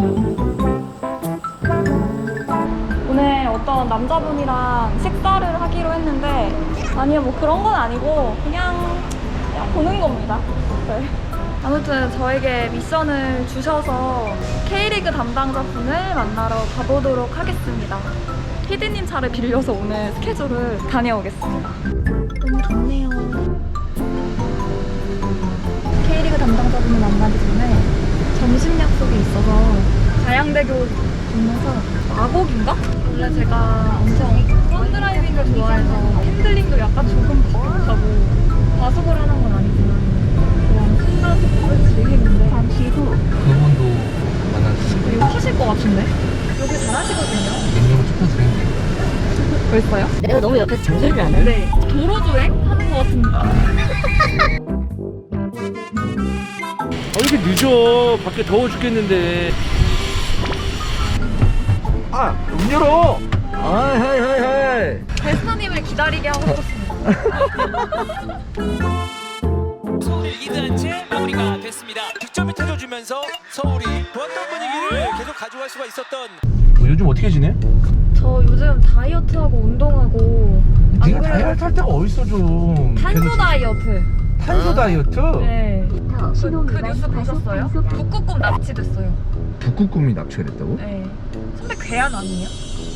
오늘 어떤 남자분이랑 식사를 하기로 했는데 아니요, 뭐 그런 건 아니고 그냥 보는 겁니다. 네. 아무튼 저에게 미션을 주셔서 K리그 담당자분을 만나러 가보도록 하겠습니다. 피디님 차를 빌려서 오늘 스케줄을 다녀오겠습니다. 너무 좋네요. K리그 담당자분을 만나기 전에 점심 약속이 있어서 가양대교 건너서 마곡인가? 원래 제가 엄청 펀드라이빙을 좋아해서 핸들링도 약간 조금 버벅하고 과속을 하는 건 아니지만 그냥 순간속도를 즐기는데 잠시 후 그분도 만났어요. 이거 하실 것 같은데? 여기 잘하시거든요. 인형을 쫓아드렸는데. 벌써요? 내가 너무 옆에서 잔소리를 안 해? 네. 도로주행 하는 것 같습니다. 이렇게 늦어. 밖에 더워 죽겠는데. 아, 문 열어. 아, 하이. 베스터님을 기다리게 하고 싶었습니다. 서울이 리드한 채 마무리가 됐습니다. 득점이 터져주면서 서울이 좋았던 분위기를 계속 가져갈 수가 있었던. 요즘 어떻게 지내? 저 요즘 다이어트하고 운동하고 네가 다이어트 할 때가 어딨어 좀. 탄소 계속 다이어트. 탄소 다이어트? 네. 그 뉴스 보셨어요? 북극곰 납치됐어요. 북극곰이 납치가 됐다고? 네. 선배 괴한 아니에요?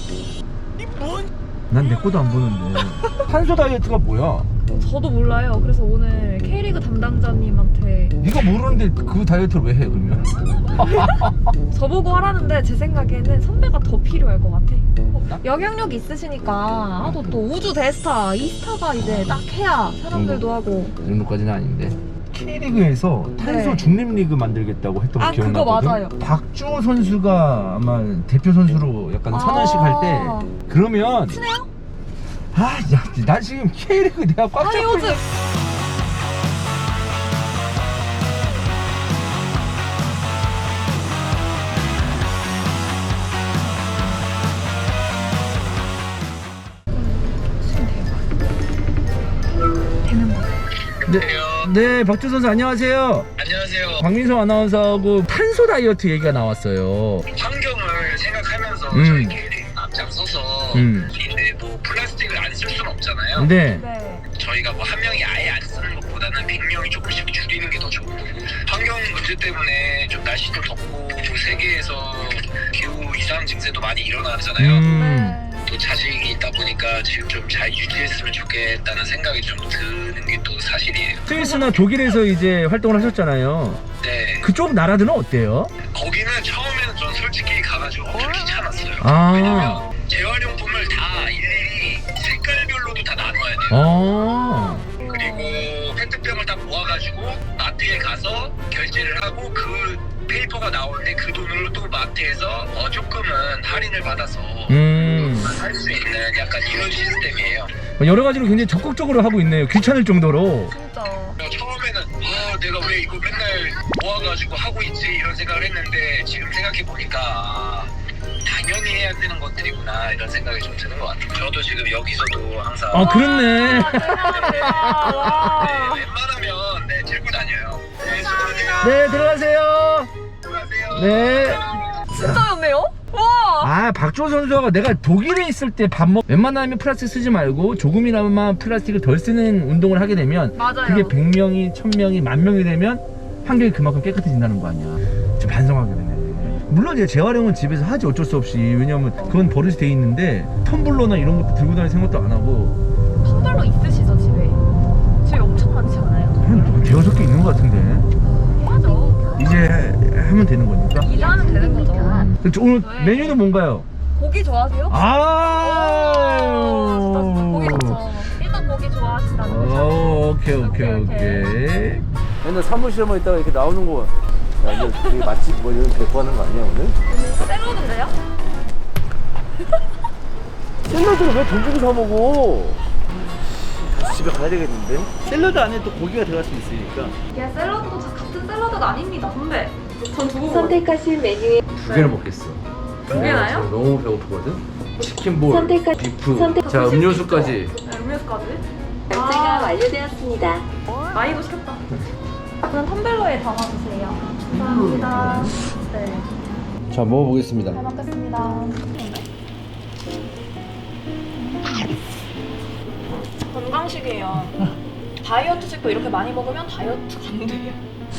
난 내 거도 안 보는데. 탄소 다이어트가 뭐야? 저도 몰라요. 그래서 오늘 K리그 담당자님한테 네가 모르는데 그 다이어트를 왜 해 그러면? 저보고 하라는데 제 생각에는 선배가 더 필요할 것 같아. 영향력 있으시니까 또 우주 대스타, 이스타가 이제 딱 해야 사람들도 하고. 그 정도까지는 아닌데. K리그에서 탄소 네. 중립리그 만들겠다고 했던 거 아, 기억나거든? 그거 맞아요. 박주호 선수가 아마 대표 선수로 약간 선언식 할 때 그러면 친해요? 아, 야, 나 지금 K리그 내가 꽉 아니 잡고 요즘 되는 거. 네, 박주호 선수 안녕하세요. 안녕하세요. 박민성 아나운서하고 탄소 다이어트 얘기가 나왔어요. 환경을 생각하면서 음. 저희 K리그 앞장서서 근데 뭐 플라스틱을 안 쓸 수는 없잖아요. 네. 네. 저희가 뭐 한 명이 아예 안 쓰는 것보다는 100명이 조금씩 줄이는 게 더 좋고 환경 문제 때문에 좀 날씨도 덥고 세계에서 기후 이상 증세도 많이 일어나잖아요. 네. 또 자식이 있다 보니까 지금 좀 잘 유지했으면 좋겠다는 생각이 좀 드는 게 또 사실이에요. 스위스나 독일에서 이제 활동을 하셨잖아요. 네. 그쪽 나라들은 어때요? 거기는 처음에는 전 솔직히 가가지고 엄청 귀찮았어요. 아. 왜냐면 재활용품을 다 일일이 색깔별로도 다 나눠야 돼요. 아. 그리고 페트병을 다 모아가지고 마트에 가서 결제를 하고 그 페이퍼가 나오는데 그 돈으로 또 마트에서 조금은 할인을 받아서 할 수 있는 약간 이런 시스템이에요. 여러 가지로 굉장히 적극적으로 하고 있네요. 귀찮을 정도로. 진짜. 처음에는 내가 왜 이거 맨날 모아가지고 하고 있지 이런 생각을 했는데 지금 생각해보니까 당연히 해야 되는 것들이구나 이런 생각이 좀 드는 것 같아요. 저도 지금 여기서도 항상 아, 그렇네. 와. 웬만하면 들고 다녀요. 네, 수고하세요. 네, 들어가세요. 수고하세요. 네. 진짜였네요? 와. 아, 박주호 선수가 내가 독일에 있을 때 웬만하면 플라스틱 쓰지 말고 조금이나마 플라스틱을 덜 쓰는 운동을 하게 되면 맞아요. 그게 100명이, 1000명이, 10,000명이 되면 환경이 그만큼 깨끗해진다는 거 아니야. 좀 반성하게 되네. 물론 이제 재활용은 집에서 하지 어쩔 수 없이. 왜냐면 그건 버릇이 돼 있는데 텀블러나 이런 것도 들고 다닐 생각도 안 하고. 텀블러 있으시죠 집에? 집에 엄청 많지 않아요? 한 대여섯 개 있는 것 같은데. 맞아. 이제 하면 되는 거니까. 이제 하면 되는 거죠. 오늘 네. 메뉴는 뭔가요? 고기 좋아하세요? 아, 진짜 고기 좋죠. 일단 고기 좋아하시다는 거죠. 오케이. 맨날 사무실에만 있다가 이렇게 나오는 거. 야, 이제 되게 맛집 뭐 이런 데리고 하는 거 아니야 오늘? 샐러드인데요? 샐러드를 왜 돈 주고 사 먹어? 다시 집에 가야 되겠는데? 샐러드 안에 또 고기가 들어갈 수 있으니까. 이게 샐러드도 다 같은 샐러드가 아닙니다 선배. 전 두고 선택하신 메뉴에 두 개를 먹겠어. 두 개나요? 지금 너무 배고프거든? 치킨볼, 비프, 선택- 자 음료수까지. 네, 음료수까지. 결제가 완료되었습니다. 많이도 시켰다. 그럼 텀블러에 담아주세요. 감사합니다. 네. 자, 먹어보겠습니다. 잘 먹겠습니다. 건강식이에요. 다이어트식도 이렇게 많이 먹으면 다이어트가 안 돼요.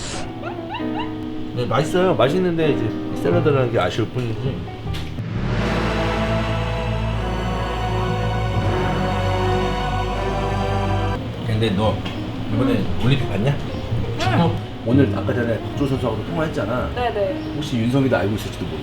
네, 맛있어요. 맛있는데 이제 샐러드라는 게 아쉬울 뿐이지. 근데 너 이번에 올림픽 봤냐? 축구? 오늘 아까 전에 박주호 선수하고 통화했잖아. 네네. 혹시 윤성이도 알고 있을지도 몰라.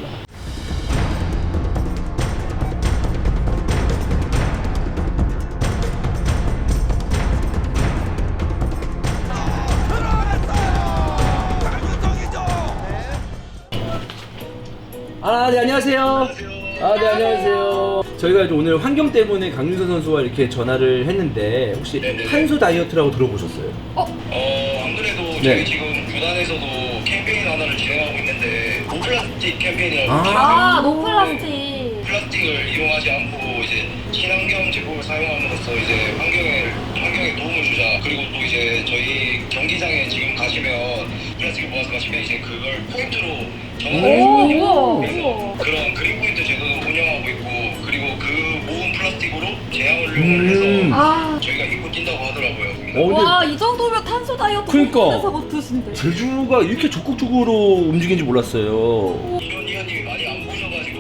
네, 안녕하세요. 네, 안녕하세요. 저희가 이제 오늘 환경 때문에 강윤선 선수와 이렇게 전화를 했는데 혹시 탄소 다이어트라고 들어보셨어요? 안 그래도 네. 저희 지금 구단에서도 캠페인 하나를 진행하고 있는데 노플라스틱 캠페인이라고 아, 노플라스틱. 플라스틱을 이용하지 않고 이제 친환경 제품을 사용함으로써 이제 환경에 도움을 주자. 그리고 또 이제 저희 경기장에 지금 가시면 플라스틱을 모아서 가시면 이제 그걸 포인트로 전환을 우와, 해주거든요. 우와. 그래서 그런 그린 포인트 제도도 운영하고 있고, 그리고 그 모은 플라스틱으로 제약을 이용을 해서 아, 저희가 입고 뛴다고 하더라고요. 와, 이 정도면 탄소 다이어트 그러니까. 못해서 못하신데. 제주가 이렇게 적극적으로 움직이는지 몰랐어요. 이런 이현님이 많이 안 보셔가지고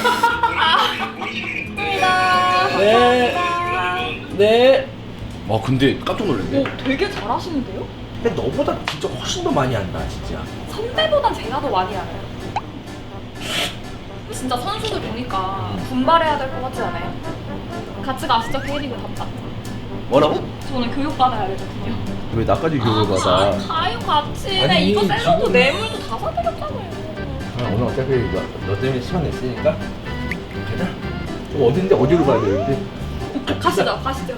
네. 네. 근데 깜짝 놀랐네. 오, 되게 잘하시는데요? 근데 너보다 진짜 훨씬 더 많이 한다, 진짜. 선배보단 제가 더 많이 알아요. 진짜 선수들 보니까 분발해야 될 것 같지 않아요? 같이 가시죠, K리그 답장. 뭐라고? 저는 교육받아야 되거든요. 왜 나까지 교육을 받아? 가요 같이. 아니, 네, 이거 샐러드 지금- 뇌물도 다 사드렸잖아요. 오늘 어차피 너 때문에 시간 냈으니까 가자. 어딘데 어디로 가야 되는데? 가시죠.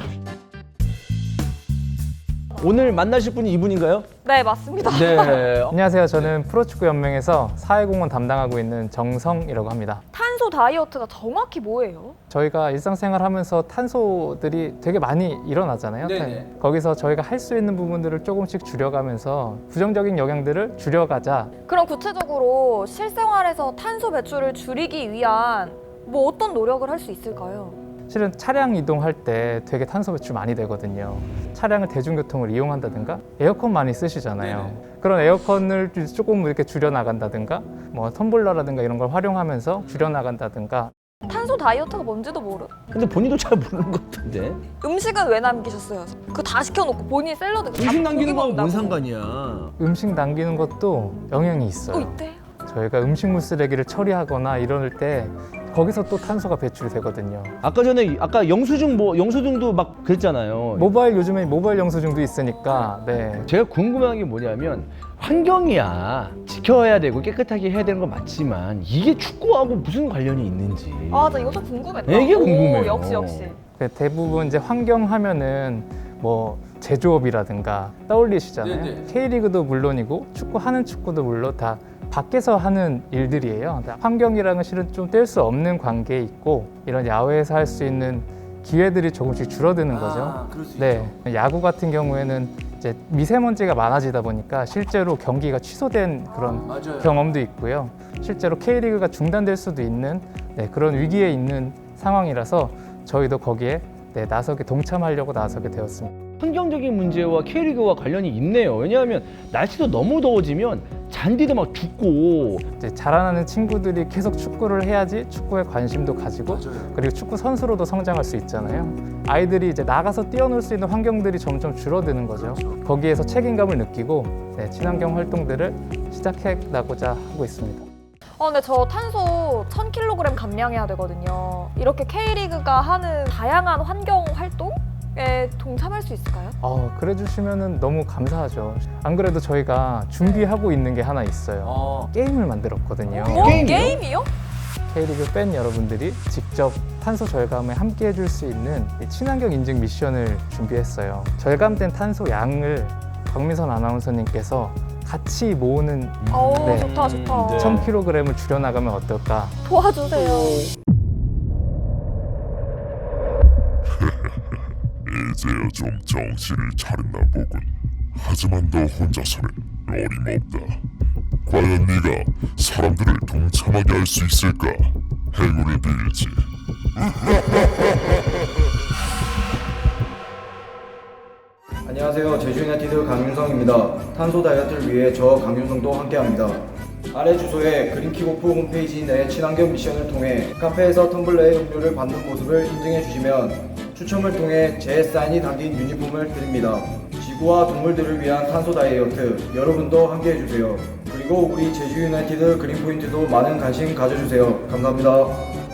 오늘 만나실 분이 이분인가요? 네, 맞습니다. 네. 안녕하세요. 저는 프로축구연맹에서 사회공헌 담당하고 있는 정성이라고 합니다. 탄소 다이어트가 정확히 뭐예요? 저희가 일상생활 하면서 탄소들이 되게 많이 일어나잖아요. 네네. 거기서 저희가 할 수 있는 부분들을 조금씩 줄여가면서 부정적인 영향들을 줄여가자. 그럼 구체적으로 실생활에서 탄소 배출을 줄이기 위한 뭐 어떤 노력을 할 수 있을까요? 실은 차량 이동할 때 되게 탄소 배출 많이 되거든요. 차량을 대중교통을 이용한다든가 에어컨 많이 쓰시잖아요. 그런 에어컨을 조금 이렇게 줄여나간다든가 뭐 텀블러라든가 이런 걸 활용하면서 줄여나간다든가. 탄소 다이어트가 뭔지도 모르. 근데 본인도 잘 모르는 것 같은데? 음식은 왜 남기셨어요? 그거 다 시켜놓고 본인이 샐러드 음식 남기는 거하고 뭔 먹는다고. 상관이야? 음식 남기는 것도 영향이 있어요. 있대요? 저희가 음식물 쓰레기를 처리하거나 이럴 때 거기서 또 탄소가 배출이 되거든요. 아까 영수증도 막 그랬잖아요. 요즘에 모바일 영수증도 있으니까. 네. 제가 궁금한 게 뭐냐면 환경이야 지켜야 되고 깨끗하게 해야 되는 건 맞지만 이게 축구하고 무슨 관련이 있는지. 아, 나 이거 좀 궁금했다. 이게 궁금해요. 오, 역시. 대부분 이제 환경 하면은 뭐 제조업이라든가 떠올리시잖아요. 네네. K리그도 물론이고 축구하는 축구도 물론 다 밖에서 하는 일들이에요. 환경이랑은 실은 좀 뗄 수 없는 관계에 있고 이런 야외에서 할 수 있는 기회들이 조금씩 줄어드는 거죠. 그럴 수 네, 야구 같은 경우에는 이제 미세먼지가 많아지다 보니까 실제로 경기가 취소된 그런 맞아요. 경험도 있고요. 실제로 K리그가 중단될 수도 있는 그런 위기에 있는 상황이라서 저희도 거기에 동참하려고 나서게 되었습니다. 환경적인 문제와 K리그와 관련이 있네요. 왜냐하면 날씨도 너무 더워지면 잔디도 막 죽고. 이제 자라나는 친구들이 계속 축구를 해야지 축구에 관심도 가지고 그리고 축구 선수로도 성장할 수 있잖아요. 아이들이 이제 나가서 뛰어놀 수 있는 환경들이 점점 줄어드는 거죠. 거기에서 책임감을 느끼고 친환경 활동들을 시작해 나고자 하고 있습니다. 근데 저 탄소 1000kg 감량해야 되거든요. 이렇게 K리그가 하는 다양한 환경 활동에 동참할 수 있을까요? 그래 주시면 너무 감사하죠. 안 그래도 저희가 준비하고 있는 게 하나 있어요. 게임을 만들었거든요. 게임이요? K리그 팬 여러분들이 직접 탄소 절감에 함께 해줄 수 있는 친환경 인증 미션을 준비했어요. 절감된 탄소 양을 박민선 아나운서님께서 같이 모으는 네. 좋다. 1000kg을 줄여나가면 어떨까? 도와주세요. 이제야 좀 정신을 차렸나 보군. 하지만 너 혼자서는 어림없다. 과연 네가 사람들을 동참하게 할 수 있을까? 행운을 빌지. 안녕하세요. 제주유나이티드 강윤성입니다. 탄소 다이어트를 위해 저 강윤성도 함께합니다. 아래 주소에 그린킥오프 홈페이지 내 친환경 미션을 통해 카페에서 텀블러에 음료를 받는 모습을 인증해 주시면 추첨을 통해 제 사인이 담긴 유니폼을 드립니다. 지구와 동물들을 위한 탄소 다이어트 여러분도 함께해 주세요. 그리고 우리 제주유나이티드 그린포인트도 많은 관심 가져주세요. 감사합니다.